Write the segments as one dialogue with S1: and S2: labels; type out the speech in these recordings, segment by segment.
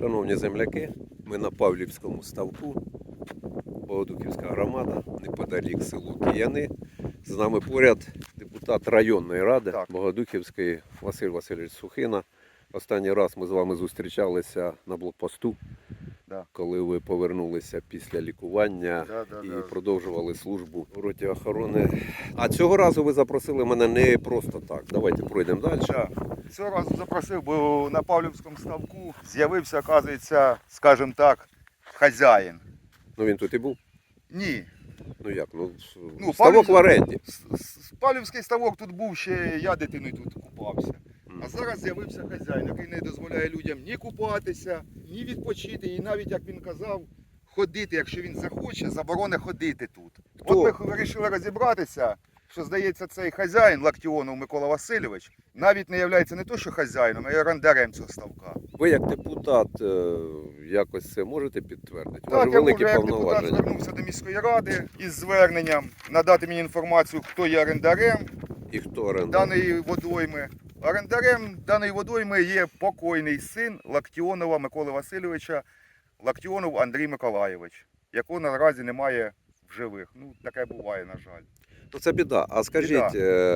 S1: Шановні земляки, ми на Павлівському ставку, Богодухівська громада, неподалік село Кияни. З нами поряд депутат районної ради Богодухівської Василь Васильович Сухина. Останній раз ми з вами зустрічалися на блокпосту, коли ви повернулися після лікування і продовжували службу у роті охорони. А цього разу ви запросили мене не просто так. Давайте пройдемо далі.
S2: Цього разу запросив, бо на Павлівському ставку з'явився, оказується, скажімо так, хазяїн.
S1: Ну він тут і був?
S2: Ні.
S1: Ну як? Ну ставок в оренді.
S2: Павлівський ставок тут був, ще я дитиною тут купався. А зараз з'явився хазяїн, який не дозволяє людям ні купатися, ні відпочити, і навіть, як він казав, ходити, якщо він захоче, заборони ходити тут.
S1: Хто?
S2: От ми вирішили розібратися, що, здається, цей хазяїн, Лактіонов Микола Васильович, навіть не є не то, що хазяїном, а й орендарем цього ставка.
S1: Ви як депутат якось це можете підтвердити?
S2: Так, я можу, як депутат
S1: повноваження.
S2: звернувся до міської ради із зверненням надати мені інформацію, хто є орендарем
S1: І хто орендар?
S2: даної водойми. Орендарем даної водойми є покойний син Лактіонова Миколи Васильовича, Лактіонов Андрій Миколайович, якого наразі немає в живих. Ну, таке буває, на жаль.
S1: То це біда. А скажіть,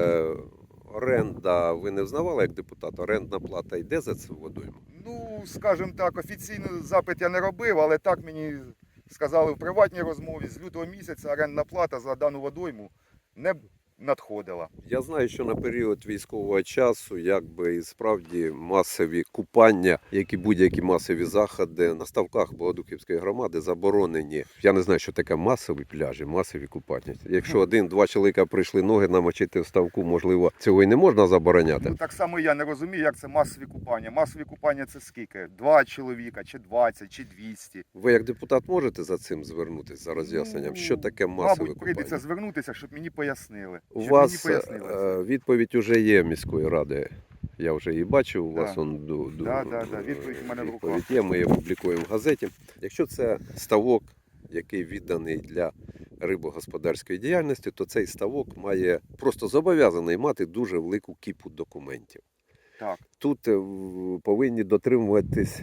S1: оренда, ви не взнавали як депутат, орендна плата йде за цю водойму?
S2: Ну, скажімо так, офіційний запит я не робив, але так мені сказали в приватній розмові, з лютого місяця орендна плата за дану водойму не надходила.
S1: Я знаю, що на період військового часу, якби і справді масові купання, як і будь-які масові заходи на ставках Богодухівської громади заборонені. Я не знаю, що таке масові пляжі, масові купання. Якщо один-два чоловіка прийшли ноги намочити в ставку, можливо, цього і не можна забороняти.
S2: Ну, так само я не розумію, як це масові купання. Масові купання це скільки? 2 чоловіка, чи 20, чи 200?
S1: Ви як депутат можете за цим звернутися, за роз'ясненням? Що таке масове
S2: Мабуть, прийдеться
S1: купання?
S2: звернутися, щоб мені пояснили.
S1: У вас відповідь вже є міської ради. Я вже її бачив, у вас
S2: відповідь у мене в руках.
S1: відповідь є, ми її публікуємо в газеті. Якщо це ставок, який відданий для рибогосподарської діяльності, то цей ставок має просто зобов'язаний мати дуже велику кіпу документів.
S2: Так.
S1: Тут повинні дотримуватись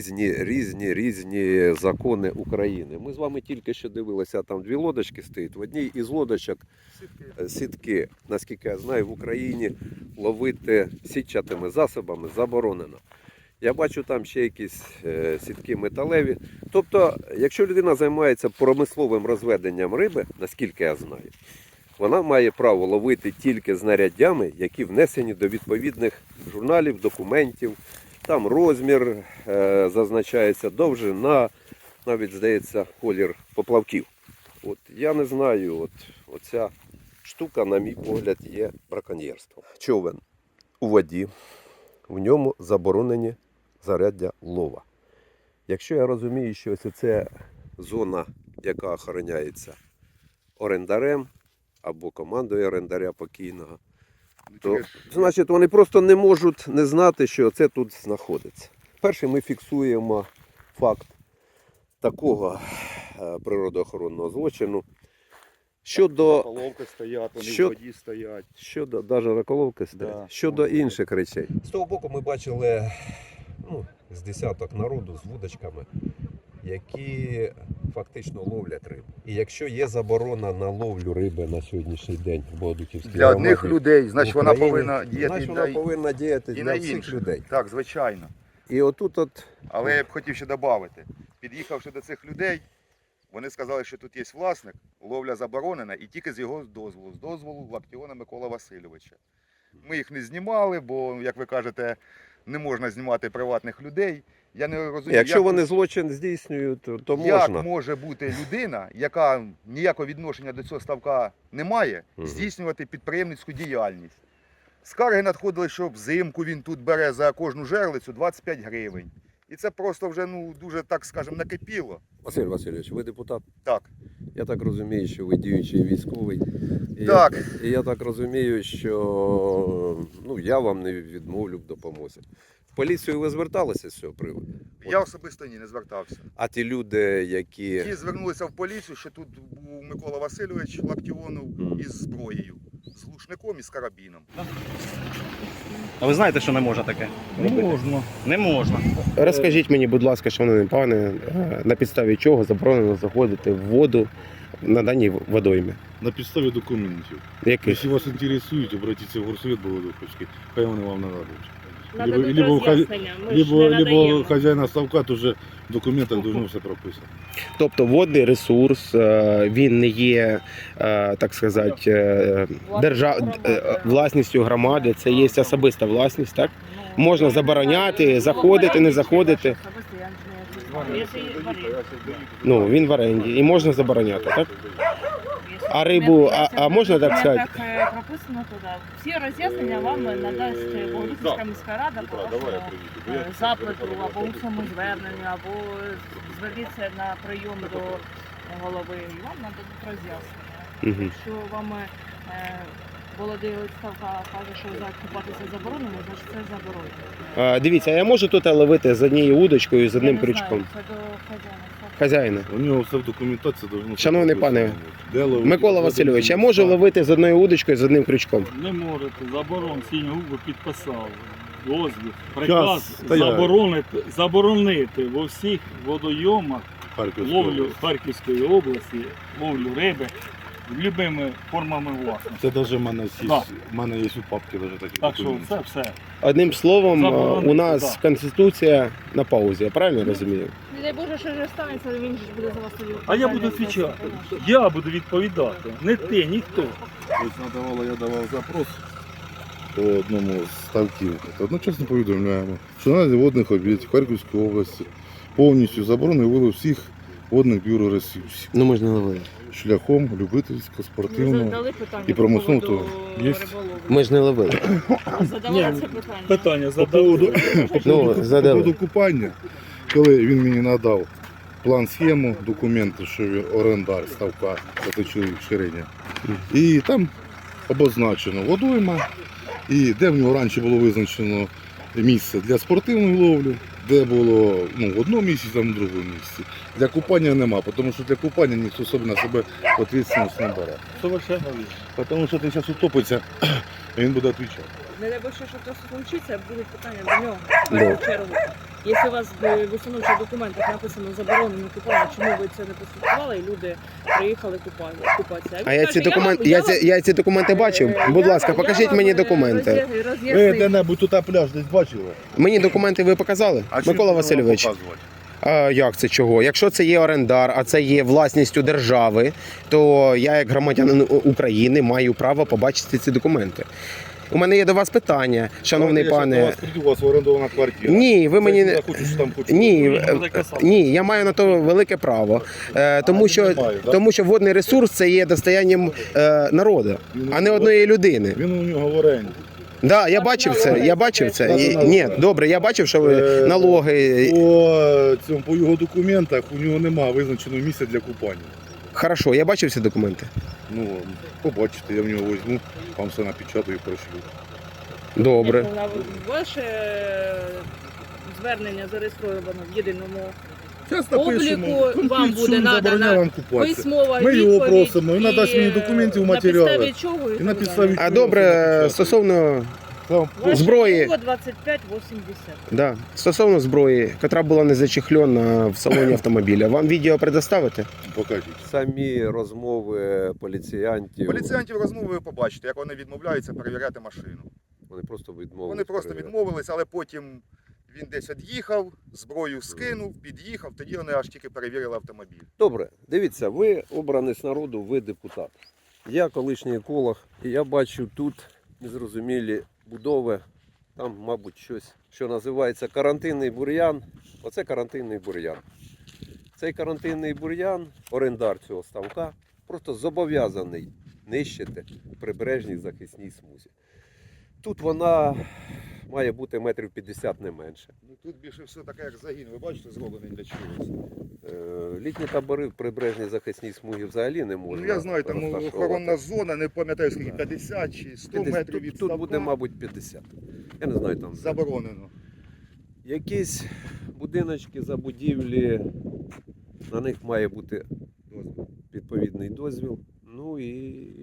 S1: різні закони України. Ми з вами тільки що дивилися, там 2 лодочки стоять. В одній із лодочок сітки, наскільки я знаю, в Україні ловити сітчатими засобами заборонено. Я бачу там ще якісь сітки металеві. Тобто, якщо людина займається промисловим розведенням риби, наскільки я знаю, вона має право ловити тільки знаряддями, які внесені до відповідних журналів, документів. Там розмір зазначається, довжина, навіть, здається, колір поплавків. От я не знаю, оця штука, на мій погляд, є браконьєрством. Човен у воді, в ньому заборонені знаряддя лова. Якщо я розумію, що це зона, яка охороняється орендарем, або командою орендаря покійного, то, значить, вони просто не можуть не знати, що це тут знаходиться. Перше, ми фіксуємо факт такого природоохоронного злочину. Щодо
S2: Раколовки стоять, вони в воді стоять.
S1: Щодо, навіть раколовки стоять. Щодо інших речей. З того боку ми бачили з десяток народу з вудочками, які фактично ловлять рибу. І якщо є заборона на ловлю риби на сьогоднішній день в Богодухівській
S2: Для
S1: громаді,
S2: одних людей, значить вона повинна
S1: діяти
S2: і
S1: для
S2: на
S1: всіх
S2: інших
S1: людей.
S2: Так, звичайно.
S1: І отут
S2: Але я б хотів ще додати, під'їхавши до цих людей, вони сказали, що тут є власник, ловля заборонена і тільки з його дозволу, з дозволу Лактіона Микола Васильовича. Ми їх не знімали, бо, як ви кажете, не можна знімати приватних людей. Я не розумію,
S1: якщо вони злочин здійснюють, то можна.
S2: Як може бути людина, яка ніякого відношення до цього ставка не має, здійснювати підприємницьку діяльність. Скарги надходили, що взимку він тут бере за кожну жерлицю 25 гривень. І це просто вже дуже, так скажемо, накипіло.
S1: Василь Васильович, ви депутат?
S2: Так.
S1: Я так розумію, що ви діючий військовий.
S2: Так.
S1: І я так розумію, що я вам не відмовлю в допомозі. В поліцію ви зверталися з цього приводу?
S2: Я особисто не звертався.
S1: А ті люди, які...
S2: Ті звернулися в поліцію, що тут був Микола Васильович Лактіонов із зброєю, з глушником і з карабіном.
S3: А ви знаєте, що не можна таке робити?
S4: Можна.
S3: Не можна.
S5: Розкажіть мені, будь ласка, шановний пане, на підставі чого заборонено заходити в воду на даній водоймі?
S4: На підставі документів.
S5: Яких?
S4: Якщо вас інтересують, обратіться в горсовет Болодуховський, хай вони вам нададуть.
S6: Нададуть
S4: Либо
S6: роз'яснення, ми ж не
S4: либо
S6: надаємо.
S4: хазяїна ставка, то вже в документах должно все прописано.
S5: Тобто водний ресурс, він не є, так сказати, власністю громади, це є особиста власність, так? Можна забороняти, заходити, не заходити.
S6: Якщо є варіант.
S5: Ну, він в оренді і можна забороняти, так? А рибу, а можна так сказати?
S6: Так прописано туди. Всі роз'яснення вам надасть Богодухівська міська рада по вашому запиту, або усному зверненню, або зверніться на прийом до голови, і вам нададуть роз'яснення.
S5: Мгм.
S6: Якщо вам Володимир Ставка каже, що купатися заборонено, значить це заборонено.
S5: Дивіться, я можу тут ловити з однією удочкою і з одним
S6: Я не знаю,
S5: крючком?
S6: це до хазяїна.
S5: Хазяїна.
S4: У нього все в документації должно все
S5: Шановний
S4: прописано.
S5: пане
S4: Де ловити,
S5: Микола
S4: де
S5: Васильович, я
S4: ловити.
S5: можу ловити з одною удочкою і з одним крючком?
S7: Не можете, заборон Сіньгубу підписав дозвіл. Приказ
S4: стояв.
S7: заборонити во всіх водойомах
S4: Харківської
S7: ловлю
S4: області.
S7: Харківської області, ловлю риби любими формами власності.
S4: Це навіть в мене є,
S7: Да.
S4: в мене є у папці навіть такі
S7: Так що
S4: документи.
S7: це все.
S5: Одним словом,
S7: Заборонити,
S5: у нас
S7: да.
S5: Конституція на паузі, я правильно розумію?
S6: Не дай Боже, що вже станеться, він ж буде за вас тоді.
S7: А я буду відповідати. Я буду відповідати. Не ти, ніхто.
S4: Ось я давав запрос по одному з ставків. Одночасно повідомляємо, що наразі водних об'єктів Харківської області повністю заборонений вилов всіх водних біоресурсів
S5: Ну, ми ж не ловили.
S4: шляхом любительського,
S6: Ми
S4: спортивного.
S6: задали питання
S4: і промислового
S6: по поводу
S4: то є.
S6: риболовлі.
S5: Ми ж не ловили.
S6: Задавали
S7: Ні,
S6: це питання.
S7: Питання
S4: По
S7: задали.
S4: поводу,
S5: Ну, задали.
S4: по поводу купання, коли він мені надав план схему, документи, що він орендар ставка, це чоловік Шириня. І там обозначено водойма, і де в нього раніше було визначено місце для спортивної ловлі, де було в одному місці, там в другому місці. Для купання нема, тому що для купання ніхто собі на себе відповідальність не бере.
S7: Совершенно вірно.
S4: Тому що ти зараз утопиться, і він буде відповідати.
S6: Не дай Боже, що це случиться, будуть питання до нього. В
S5: Да.
S6: першу чергу. Якщо у вас в установчих документах написано заборонено купання, чому ви це не прослідкували і люди приїхали купатися? він
S5: А я
S6: каже,
S5: ці документи,
S6: вам-
S5: я ці документи бачив. Будь ласка, покажіть мені документи.
S4: Ви де-небудь тут пляж десь бачили?
S5: Мені документи ви показали? Микола Васильович. А як це чого? Якщо це є орендар, а це є власністю держави, то я, як громадянин України, маю право побачити ці документи. У мене є до вас питання, шановний пане.
S4: У вас орендована квартира.
S5: Ні, ви мені не.
S4: Там
S5: Ні,
S7: Буде казати.
S5: ні, я маю на то велике право, тому що водний ресурс це є достоянням народу, а не одної людини.
S4: Він у нього в оренді.
S5: Да, я бачив це. Я бачив це. Ні, добре, я бачив, що ви налоги.
S4: По його документах у нього немає визначеного місця для купання.
S5: Хорошо, я бачив ці документи.
S4: Ну, побачите, я в нього візьму, вам все напечатаю і пришлю.
S5: Добре.
S6: Ваше звернення зареєстровано в єдиному
S4: Зараз
S6: обліку, вам буде надана
S4: вам купатися.
S6: письмова
S4: Ми його
S6: відповідь.
S4: просимо, він надасть мені документів, матеріали.
S6: На підставі чого
S4: І на підставі
S5: А добре, стосовно зброї.
S6: 2580.
S5: Да, стосовно зброї, яка була не зачехльона в салоні автомобіля. Вам відео предоставити?
S4: Покажіть.
S1: Самі розмови поліціянтів.
S2: Поліціянтів розмови ви побачите, як вони відмовляються перевіряти машину.
S1: Вони просто відмовились.
S2: Вони просто
S1: перевіряти.
S2: відмовились, але потім він десь від'їхав, зброю скинув, під'їхав, тоді вони аж тільки перевірили автомобіль.
S1: Добре, дивіться, ви обраний з народу, ви депутат. Я колишній еколог, і я бачу тут незрозумілі будови. Там, мабуть, щось, що називається карантинний бур'ян. Оце карантинний бур'ян. Цей карантинний бур'ян, орендар цього ставка, просто зобов'язаний нищити в прибережній захисній смузі. Тут вона має бути метрів 50 не менше.
S2: Ну, тут більше все таке, як загін, ви бачите, зроблений для чогось.
S1: Літні табори в прибережній захисній смузі взагалі не можна.
S2: Ну, я знаю, там
S1: розташовувати.
S2: охоронна зона, не пам'ятаю скільки, 50 чи 100 метрів від
S1: Тут
S2: ставка.
S1: буде, мабуть, 50. Я не знаю там.
S2: Заборонено.
S1: Якісь будиночки, забудівлі, на них має бути відповідний дозвіл. Ну і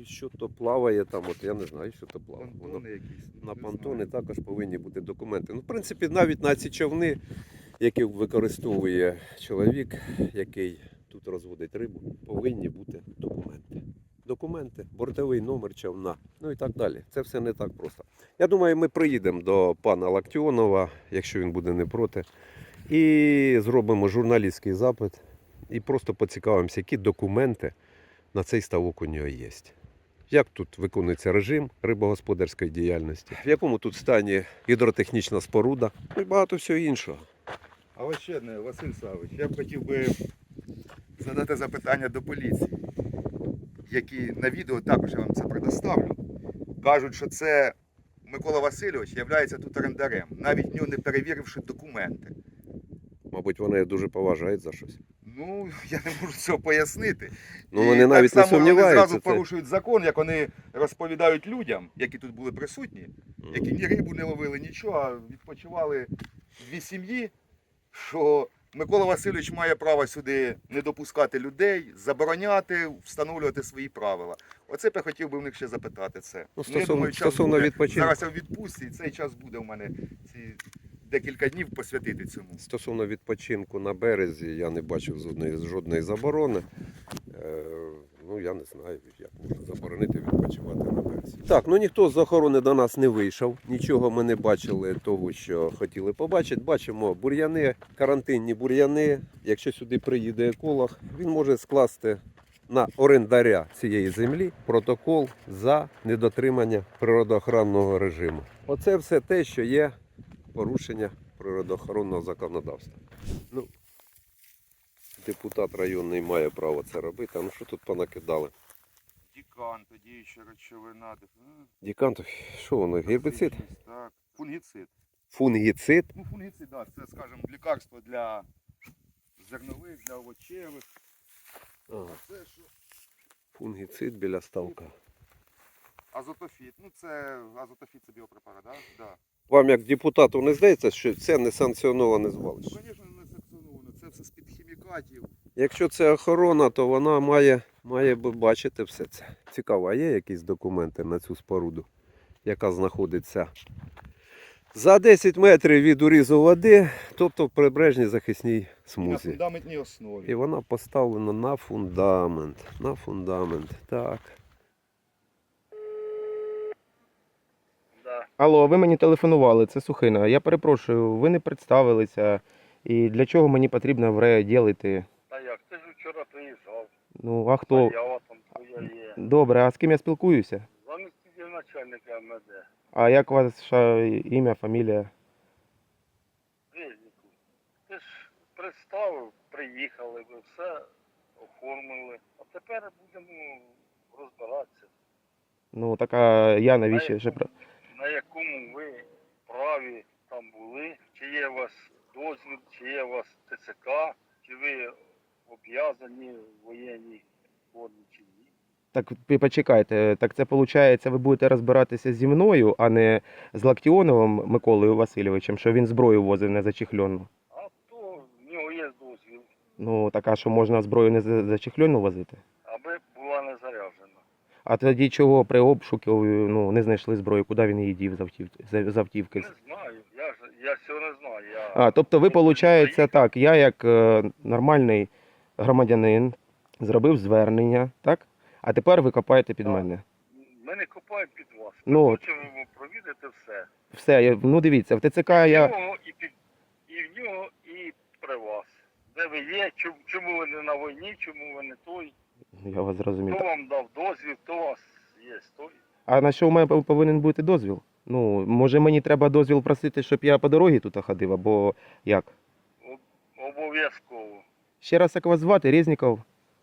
S1: і що то плаває там, от я не знаю, що то плаває. Воно
S2: Понтони якісь.
S1: на
S2: не
S1: понтони
S2: знаю.
S1: також повинні бути документи. Ну, в принципі, навіть на ці човни, які використовує чоловік, який тут розводить рибу, повинні бути документи. Документи, бортовий номер човна, ну і так далі. Це все не так просто. Я думаю, ми приїдемо до пана Лактіонова, якщо він буде не проти, і зробимо журналістський запит, і просто поцікавимося, які документи на цей ставок у нього є. Як тут виконується режим рибогосподарської діяльності, в якому тут стані гідротехнічна споруда, ну і багато всього іншого.
S2: А ось ще одне, Василь Савич, я б хотів би задати запитання до поліції, які на відео також я вам це предоставлю. Кажуть, що це Микола Васильович є тут орендарем, навіть в нього не перевіривши документи.
S1: Мабуть, вони дуже поважають за щось.
S2: Ну, я не можу цього пояснити.
S1: Ну, вони навіть не
S2: так само вони
S1: сумніваються.
S2: зразу порушують закон, як вони розповідають людям, які тут були присутні, які ні рибу не ловили, нічого, а відпочивали дві сім'ї, що Микола Васильович має право сюди не допускати людей, забороняти, встановлювати свої правила. Оце б я хотів би в них ще запитати це.
S1: Ну,
S2: Я думаю, час
S1: стосовно
S2: буде.
S1: відпочинку.
S2: Зараз я в відпустці, і цей час буде у мене ці декілька днів посвятити цьому.
S1: Стосовно відпочинку на березі, я не бачив жодної заборони. Ну, я не знаю, як можна заборонити відпочивати на березі. Так, ну ніхто з охорони до нас не вийшов. Нічого ми не бачили того, що хотіли побачити. Бачимо бур'яни, карантинні бур'яни. Якщо сюди приїде еколог, він може скласти на орендаря цієї землі протокол за недотримання природоохоронного режиму. Оце все те, що є порушення природоохоронного законодавства. Ну, депутат районний має право це робити. А ну що тут понакидали?
S2: Дікан, тоді ще речовина.
S1: Дікантов, що воно, гербіцид?
S2: Так, фунгіцид.
S1: Фунгіцид?
S2: Ну, фунгіцид, так, це, скажімо, лікарство для зернових, для овочевих.
S1: Ага,
S2: А це що?
S1: фунгіцид біля ставка.
S2: Азотофіт. Ну, це азотофіт це біопрепарат, так? Да? Да.
S1: Вам як депутату не здається, що це не санкціоноване
S2: Ну,
S1: звалище?
S2: звісно, не санкціоновано. Це все з-під хімікатів.
S1: Якщо це охорона, то вона має би бачити все це. Цікаво, а є якісь документи на цю споруду, яка знаходиться за 10 метрів від урізу води, тобто в прибережній захисній
S2: На
S1: смузі.
S2: фундаментній основі.
S1: І вона поставлена на фундамент. На фундамент. Так.
S5: Алло, ви мені телефонували, це Сухина. Я перепрошую, ви не представилися. І для чого мені потрібно в РЕО йти?
S7: Та як? Ти ж вчора приїжджав.
S5: Ну, а хто?
S7: Заява там твоя є.
S5: Добре, а з ким я спілкуюся?
S7: Заміститель начальника МВД.
S5: А як ваше ім'я, фамілія?
S7: Резніку. Ти ж представив, приїхали, ви все оформили. А тепер будемо розбиратися.
S5: Ну, так а я навіщо ще про.
S7: На якому ви праві там були, чи є у вас дозвіл, чи є у вас ТЦК, чи ви обв'язані в воєнній формі, чи ні.
S5: Так ви почекайте, так це виходить, ви будете розбиратися зі мною, а не з Лактіоновим Миколою Васильовичем, що він зброю возив не зачехльону.
S7: А то в нього є дозвіл,
S5: Ну, так а що можна зброю не зачехльону возити?
S7: аби була не заряджена.
S5: А тоді чого при обшуку не знайшли зброю, куди він її дів з автівки?
S7: Не знаю, я цього не знаю.
S5: А, тобто ви, виходить, так, я як нормальний громадянин зробив звернення, так? А тепер ви копаєте під
S7: Так.
S5: мене.
S7: Ми не копаємо під вас.
S5: Ну,
S7: Ми хочемо провідати все.
S5: Все, ну дивіться, в ТЦК
S7: І в
S5: я...
S7: нього, і в нього, і при вас. Де ви є, чому ви не на війні, чому ви не той.
S5: Я вас зрозумів.
S7: Хто вам дав дозвіл, хто у вас є той.
S5: А на що у мене повинен бути дозвіл? Ну, може мені треба дозвіл просити, щоб я по дорозі тут ходив, або як?
S7: Обов'язково.
S5: Ще раз, як вас звати? Резніков?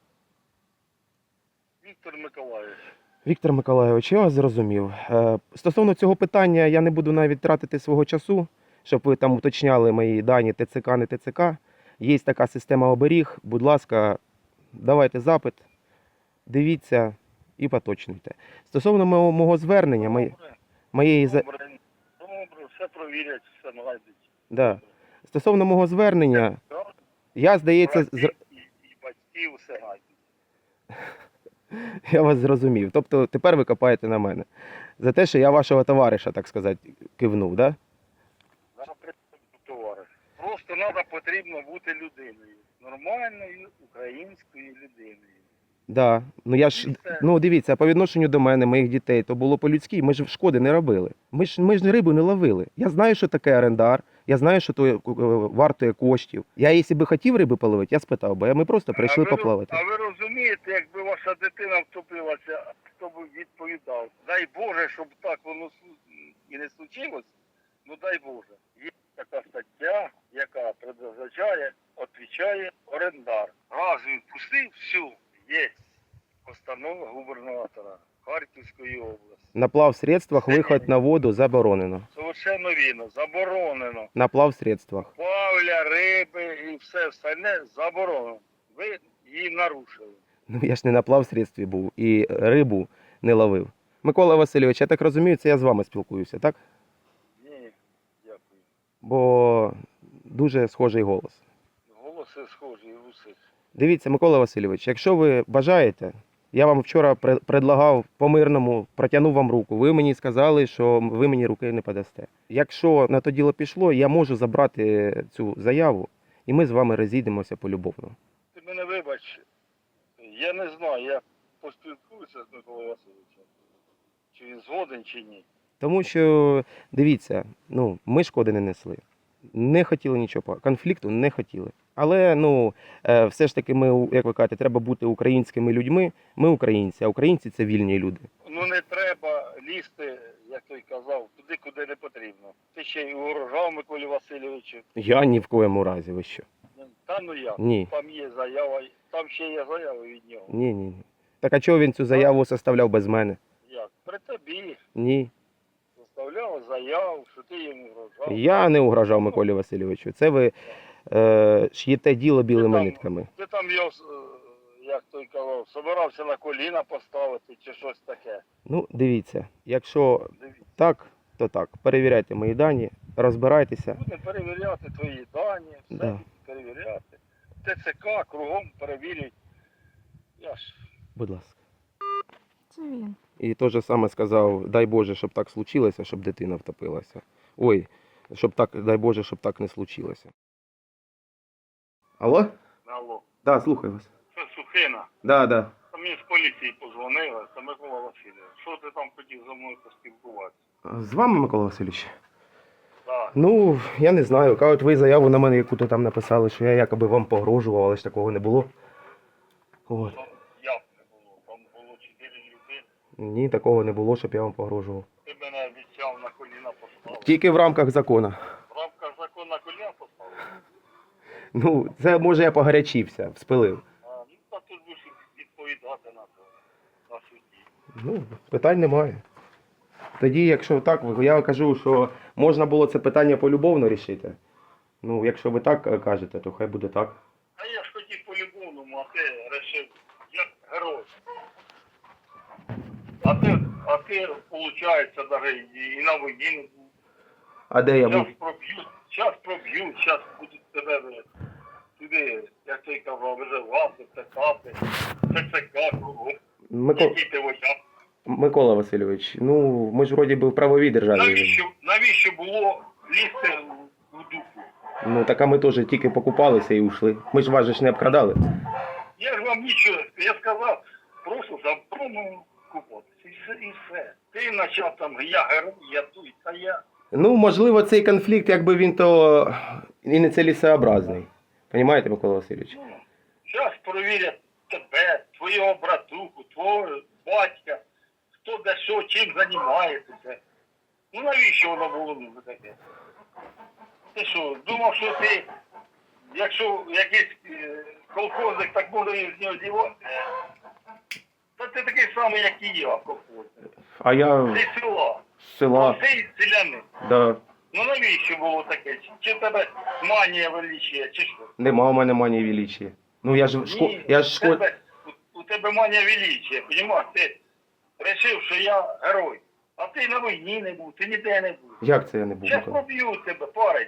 S7: Віктор Миколаївич.
S5: Віктор Миколайович, я вас зрозумів. Стосовно цього питання я не буду навіть тратити свого часу, щоб ви там уточняли мої дані ТЦК, не ТЦК. Є така система оберіг. Будь ласка, давайте запит, дивіться і поточнюйте. Стосовно мого звернення,
S7: Добре, все провірять, все знайдуть.
S5: Да. Стосовно мого звернення, я, здається,
S7: І батьків все знайдуть.
S5: Я вас зрозумів. Тобто тепер ви копаєте на мене. За те, що я вашого товариша, так сказати, кивнув, да?
S7: Товариш. Просто треба потрібно бути людиною. Нормальною українською людиною.
S5: Да. Ну я ж, ну дивіться, по відношенню до мене, моїх дітей, то було по-людськи, ми ж шкоди не робили. Ми ж рибу не ловили. Я знаю, що таке орендар, я знаю, що то вартує коштів. Я, якщо би хотів риби половити, я спитав би, а ми просто прийшли поплавати.
S7: А ви розумієте, якби ваша дитина втопилася, хто б відповідав? Дай Боже, щоб так воно і не случилось, ну дай Боже. Є така стаття, яка предназначає, відповідає орендар. Раз він пустив, все, є постанова губернатора Харківської області.
S5: На плавсредствах виход на воду заборонено.
S7: Совершенно вірно, заборонено.
S5: На плавсредствах.
S7: Плавля, риби і все остальне заборонено. Ви її нарушили.
S5: Ну я ж не на плавсредстві був і рибу не ловив. Микола Васильович, я так розумію, це я з вами спілкуюся, так?
S7: Ні, дякую.
S5: Бо дуже схожий голос.
S7: Голоси схожі, і уси.
S5: Дивіться, Микола Васильович, якщо ви бажаєте, я вам вчора предлагав по-мирному, протягнув вам руку. Ви мені сказали, що ви мені руки не подасте. Якщо на то діло пішло, я можу забрати цю заяву, і ми з вами розійдемося полюбовно.
S7: Ти мене вибач, я не знаю, я поспілкуюся з Миколою Васильовичем. Чи він згоден, чи ні.
S5: Тому що, дивіться, ну, ми шкоди не несли. Не хотіли нічого, конфлікту не хотіли. Але, ну, все ж таки ми, як ви кажете, треба бути українськими людьми. Ми українці, а українці – це вільні люди.
S7: Ну не треба лізти, як той казав, туди, куди не потрібно. Ти ще й угрожав Миколі Васильовичу.
S5: Я ні в коєму разі, ви що?
S7: Та ну як?
S5: Ні.
S7: Там є заява, там ще є заява від нього.
S5: Ні. Так а чого він цю заяву составляв без мене?
S7: Як? При тобі
S5: Ні.
S7: составляв заяву, що ти йому угрожав.
S5: Я не угрожав Миколі Васильовичу. Це ви ш'єте діло білими нитками.
S7: Ти там його, як той казав, собирався на коліна поставити чи щось таке.
S5: Ну, дивіться, якщо
S7: Дивіться.
S5: так, то так. Перевіряйте мої дані, розбирайтеся.
S7: Будемо перевіряти твої дані, все
S5: Да.
S7: перевіряти. ТЦК кругом перевірюють. Я ж
S5: Будь ласка.
S6: Це він.
S5: І те ж саме сказав, дай Боже, щоб так случилося, щоб дитина втопилася. Ой, щоб так, дай Боже, щоб так не случилося. Алло?
S7: алло.
S5: Да, слухаю вас.
S7: Це Сухина.
S5: Да.
S7: Та мені з поліції подзвонили, це Микола Васильович. Що ти там хотів зі мною поспілкуватися?
S5: З вами, Микола Васильович?
S7: Так.
S5: Ну, я не знаю. Кажуть, ви заяву на мене яку-то там написали, що я якоби вам погрожував, але ж такого не було. От.
S7: Там як не було? Там було 4 людини.
S5: Ні, такого не було, щоб я вам погрожував.
S7: Ти мене обіцяв на коліна поставити.
S5: Тільки в рамках закону.
S7: В рамках закону на коліна поставити?
S5: Ну, це може я погарячився, вспилив.
S7: Ну, та тут будеш відповідати на це, на суді.
S5: Ну, питань немає. Тоді, якщо так, я кажу, що можна було це питання полюбовно рішити. Ну, якщо ви так кажете, то хай буде так.
S7: А я ж хотів по-любовному, а ти вирішив, як герой. А ти, виходить, навіть і на війні не був.
S5: А де я був?
S7: Зараз проб'ють, зараз будуть тебе туди, як ти казав, виживати, писати, ТЦК кругом. Який ти вояк.
S5: Микола Васильович, ну ми ж вроді би в правовій державі.
S7: Навіщо було лізти в дупу?
S5: Ну так а ми теж тільки покупалися і ушли. Ми ж вас же ж не обкрадали.
S7: Я ж вам нічого, я сказав, просто заборонено купатися і все. Ти почав там, я герой, я тут, а я.
S5: Ну, можливо, цей конфлікт, якби він то і не цілесообразний. Понімаєте, Микола Васильович?
S7: Ну, зараз перевірять тебе, твого братуху, твого батька, хто де що, чим займається. Ну навіщо воно було нужно таке? Ти що, думав, що ти, якщо якийсь колхозник, так може з нього дівати? Та ти такий самий, як і я, колхозник.
S5: А я
S7: Ти села.
S5: з села.
S7: Ти селянин.
S5: Да.
S7: Ну навіщо було таке? Чи в тебе манія величія, чи що?
S5: Нема у мене манії величия. Ну я ж
S7: Ні, у тебе манія величія, розумієш? Ти вирішив, що я герой. А ти на війні не був, ти ніде не був.
S5: Як це я не був?
S7: Зараз
S5: Микола?
S7: поб'ють тебе, парень.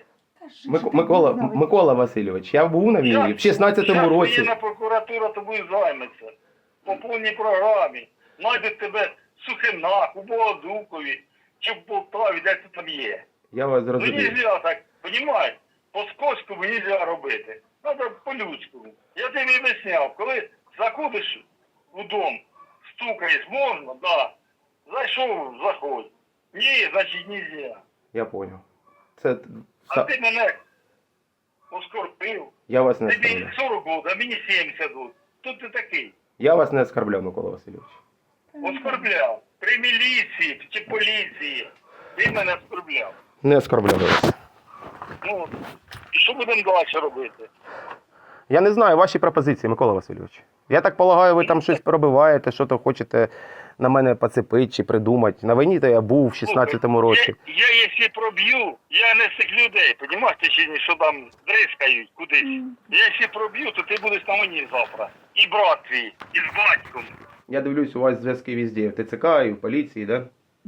S5: Микола Васильович, я був на війні в 16-му році.
S7: Зараз прокуратура тобою займеться. по повній програмі. Найдуть тебе в Сухинах, у Богодукові, чи в Полтаві, де це там є.
S5: Я вас
S7: Ну нельзя так, понімаєш? По-скотському нельзя робити. Треба по-людському. Я тобі об'ясняв, коли заходиш у дом, стукаєш, можна, да. Зайшов, заходь. Ні, значить нельзя.
S5: Я понял. Це...
S7: А ти мене оскорбив.
S5: Я вас не
S7: Тобі
S5: оскорбляв.
S7: 40 років, а мені 70 років. Хто ти такий?
S5: Я вас не оскорбляв, Микола Васильович.
S7: Оскорбляв. При міліції чи поліції. Ти мене оскорбляв.
S5: Не оскорбляв вас.
S7: Ну, і що будемо далі робити?
S5: Я не знаю ваші пропозиції, Микола Васильович. Я так полагаю, ви там щось пробиваєте, що то хочете на мене поцепити чи придумати. На війні то я був в 16-му році.
S7: Я якщо проб'ю, я не з цих людей, розумієш, ти чи ні, що там дрискають кудись. Я якщо проб'ю, то ти будеш на мені завтра. І брат твій, і з батьком.
S5: Я дивлюсь, у вас зв'язки везде, в ТЦК і в поліції, да?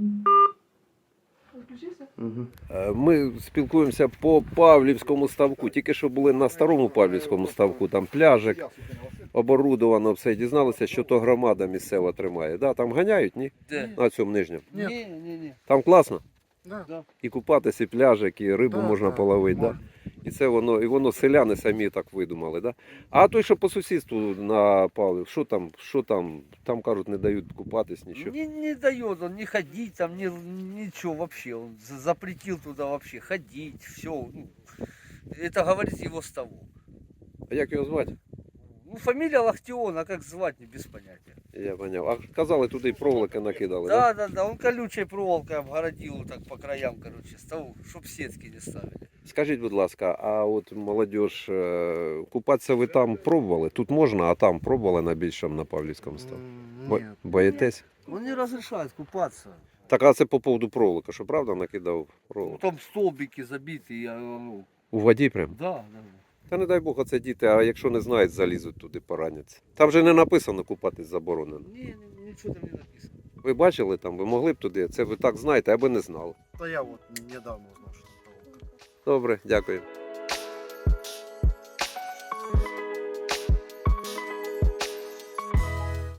S5: Угу.
S1: Ми спілкуємося по Павлівському ставку. Тільки що були на старому Павлівському ставку, там пляжик, оборудовано все. Дізналися, що то громада місцева тримає. Да, там ганяють, ні?
S8: Де?
S1: На цьому нижньому.
S8: Ні.
S1: Там класно?
S8: Да.
S1: І купатися, і пляжик, і рибу
S4: Да,
S1: можна
S4: да,
S1: половити. Да? І це воно селяни самі так видумали. Да? А той, що по сусідству на Павлів, що там кажуть, не дають купатись, нічого.
S8: Не дает он не ходить, там ничего вообще. Он запретил туда вообще ходить, все. Ну, это говорит его с того.
S1: А як його звати?
S8: Ну, фамилия Лахтион, а как звать, не без понятия.
S1: Я поняв. А казали, туди й проволоки накидали, да?
S8: Да, он колючей проволокой обгородил вот так по краям, короче, с того, чтоб сетки не ставили.
S1: Скажіть, будь ласка, а от молодіж, купатися ви там пробували? Тут можна, а там пробували на більшому, на Павлівському ставку?
S8: Нет.
S1: Боїтесь?
S8: Он не разрешает купаться.
S1: Так, а це по поводу проволоки, що правда накидав
S8: Ну,
S1: проволоку?
S8: там столбики забиты, ну,
S1: У воді прям?
S8: да.
S1: Та не дай Бог, оце діти, а якщо не знають, залізуть туди, пораняться. Там же не написано купатись заборонено.
S8: Ничего там не написано.
S1: Ви бачили там, ви могли б туди, це ви так знаєте, аби не знали.
S9: Та я от недавно узнав, що це проволока.
S1: Добре, дякую.